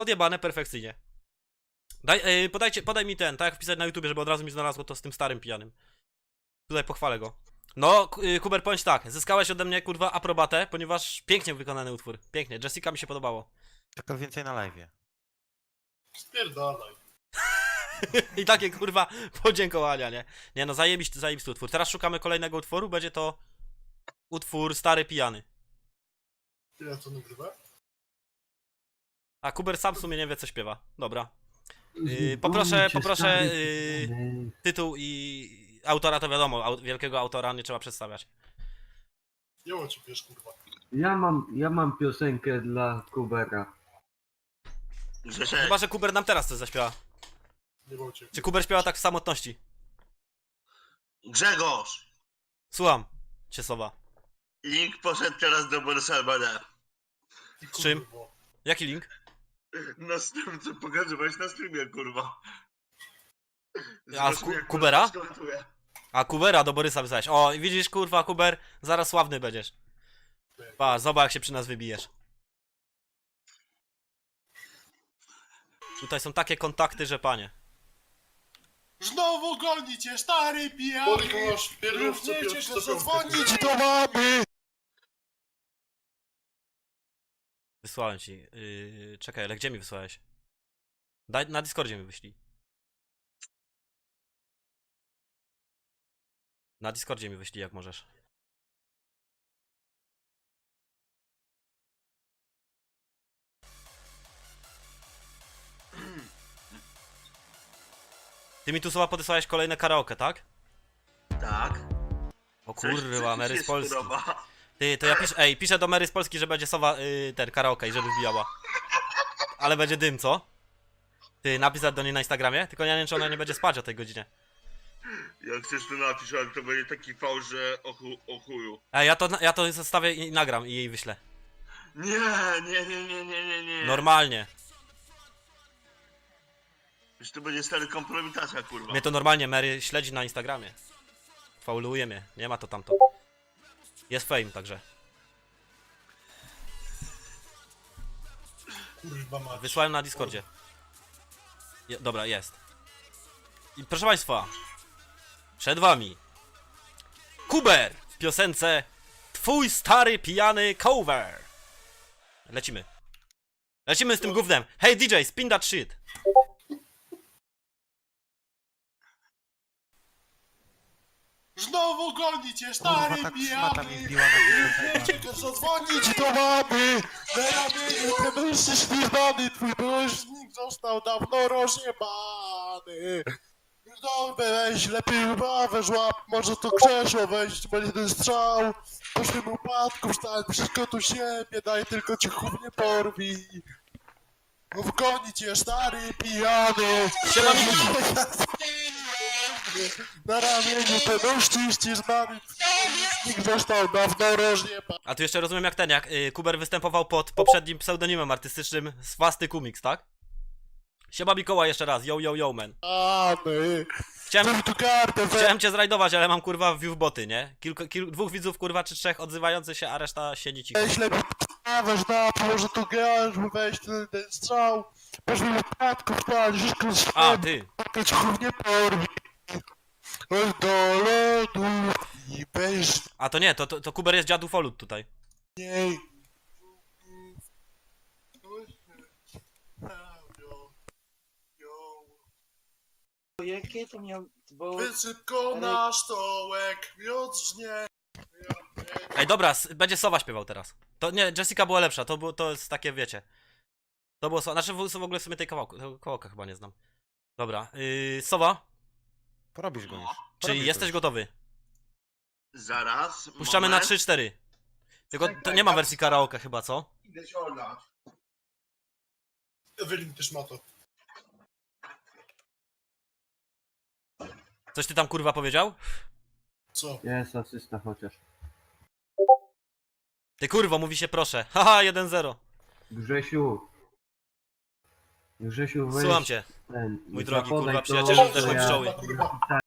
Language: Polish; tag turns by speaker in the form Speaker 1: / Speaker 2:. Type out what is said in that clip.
Speaker 1: Odjebane perfekcyjnie. Podaj mi ten, tak jak wpisać na YouTubie, żeby od razu mi znalazło to z tym starym pijanym. Tutaj pochwalę go. No, Kuber, powiem ci tak, zyskałeś ode mnie, kurwa, aprobatę, ponieważ pięknie wykonany utwór. Pięknie, Jessica mi się podobało.
Speaker 2: Tylko więcej na live'ie.
Speaker 3: Spierdalaj.
Speaker 1: I takie, kurwa, podziękowania, nie? Nie no, zajebisty utwór. Teraz szukamy kolejnego utworu, będzie to utwór Stary Pijany.
Speaker 3: Ile to nagrywa?
Speaker 1: A Kuber sam w sumie nie wie, co śpiewa. Dobra. Poproszę tytuł i autora, to wiadomo, wielkiego autora nie trzeba przedstawiać.
Speaker 3: Joło ci wiesz, kurwa.
Speaker 4: Ja mam piosenkę dla Kubera.
Speaker 1: Chyba, że Kuber nam teraz coś zaśpiewa.
Speaker 3: Nie było cię.
Speaker 1: Czy Kuber śpiewa tak w samotności?
Speaker 5: Grzegorz!
Speaker 1: Słucham cię, Sowa.
Speaker 5: Link poszedł teraz do Borsalbana.
Speaker 1: Z czym? Jaki link?
Speaker 5: No z tym, co pokazywałeś na streamie, kurwa.
Speaker 1: A
Speaker 5: Zobaczmy, jak
Speaker 1: Kubera?
Speaker 5: skomentuje.
Speaker 1: A Kubera do Borysa wysłałeś. O, widzisz, kurwa, Kuber, zaraz sławny będziesz. Pa, zobacz jak się przy nas wybijesz. Tutaj są takie kontakty, że panie.
Speaker 3: Znowu goni cię, stary pijany! Masz w pierwszą zadzwonić
Speaker 2: Do mamy!
Speaker 1: Wysłałem ci. Czekaj, ale gdzie mi wysłałeś? Daj, na Discordzie mi wyślij. Na Discordzie mi wyślij, jak możesz. Ty mi tu słowa podesłałeś kolejne karaoke, tak?
Speaker 5: Tak.
Speaker 1: O
Speaker 5: Coś
Speaker 1: kurwa,
Speaker 5: ci
Speaker 1: Mary
Speaker 5: się
Speaker 1: z Polski.
Speaker 5: spodoba.
Speaker 1: Ty, to ja piszę do Mary z Polski, że będzie Sowa, ten karaoke i żeby wbijała. Ale będzie dym, co? Ty, napisać do niej na Instagramie? Tylko ja nie wiem, czy ona nie będzie spać o tej godzinie.
Speaker 5: Jak chcesz to napisz, ale to będzie taki fałsz, że o chuju.
Speaker 1: Ej, ja to zostawię i nagram i jej wyślę.
Speaker 5: Nie.
Speaker 1: Normalnie.
Speaker 5: Już to będzie stary kompromitacja, kurwa.
Speaker 1: Mnie to normalnie Mary śledzi na Instagramie. Fauluje mnie, nie ma to tamto. Jest fame, także.
Speaker 3: Kurwa mać.
Speaker 1: Wysłałem na Discordzie. Dobra, jest. I proszę państwa, przed wami Kuber w piosence Twój stary pijany cover. Lecimy. Lecimy z tym gównem. Hey DJ, spin that shit.
Speaker 3: Znowu goni cię,
Speaker 2: Kurwa,
Speaker 3: stary
Speaker 2: tak szmata mi
Speaker 3: pijany!
Speaker 2: wbiła na
Speaker 3: Nie czekasz zadzwonić do mamy! Na ramieniu ten mężczyzn śpiewany, twój mężczyzn został dawno rozjebany! No weź, lepiej ławę żłap, może to krzesło weź, będzie ten strzał! Po tym upadku wstań, wszystko tu siebie, daj tylko cię chuj nie porwi! Mów goni cię, stary pijany!
Speaker 1: Siema, Miki.
Speaker 3: Na ramieniu ten mężczyzn znany, nikt został dawno rozjebany!
Speaker 1: A tu jeszcze rozumiem jak Kuber występował pod poprzednim pseudonimem artystycznym Swasty Kumix, tak? Siema Mikołaj jeszcze raz, yo man. Chciałem cię zrajdować, ale mam kurwa viewboty, nie? Dwóch widzów kurwa czy trzech odzywających się, a reszta siedzi cicho.
Speaker 3: Weź lepiej weź na może tu grasz, weź ten strzał, weź mi wypadku wpadł, wszystko
Speaker 1: A, ty.
Speaker 3: ci chuj nie porwi. Oj do lodu i weź
Speaker 1: A to nie, to Kuber jest dziadu Folut tutaj.
Speaker 3: niej.
Speaker 6: Jakie to miał... Bo...
Speaker 3: Wysyp go na stołek, miodrznie.
Speaker 1: Ej, dobra, będzie Sowa śpiewał teraz. To nie, Jessica była lepsza, to jest takie, wiecie. To było Sowa, znaczy w ogóle w sumie tego kawałka chyba nie znam. Dobra, Sowa,
Speaker 2: Porobisz go już.
Speaker 1: czy jesteś gotowy?
Speaker 5: Zaraz.
Speaker 1: Puszczamy na
Speaker 5: moment.
Speaker 1: 3-4. Tylko to nie ma wersji karaoke chyba, co?
Speaker 5: Idę się olać.
Speaker 3: Ewelin też ma to.
Speaker 1: Coś ty tam kurwa powiedział?
Speaker 3: Co?
Speaker 4: Jest asysta chociaż.
Speaker 1: Ty kurwo, mówi się proszę. Haha, 1-0.
Speaker 4: Grzesiu, weź
Speaker 1: Słucham cię,
Speaker 4: ten.
Speaker 1: mój drogi
Speaker 4: zapodaj
Speaker 1: kurwa
Speaker 4: to,
Speaker 1: przyjacielu,
Speaker 4: że
Speaker 1: też
Speaker 4: ja-
Speaker 1: pszczoły.
Speaker 3: Kurwa.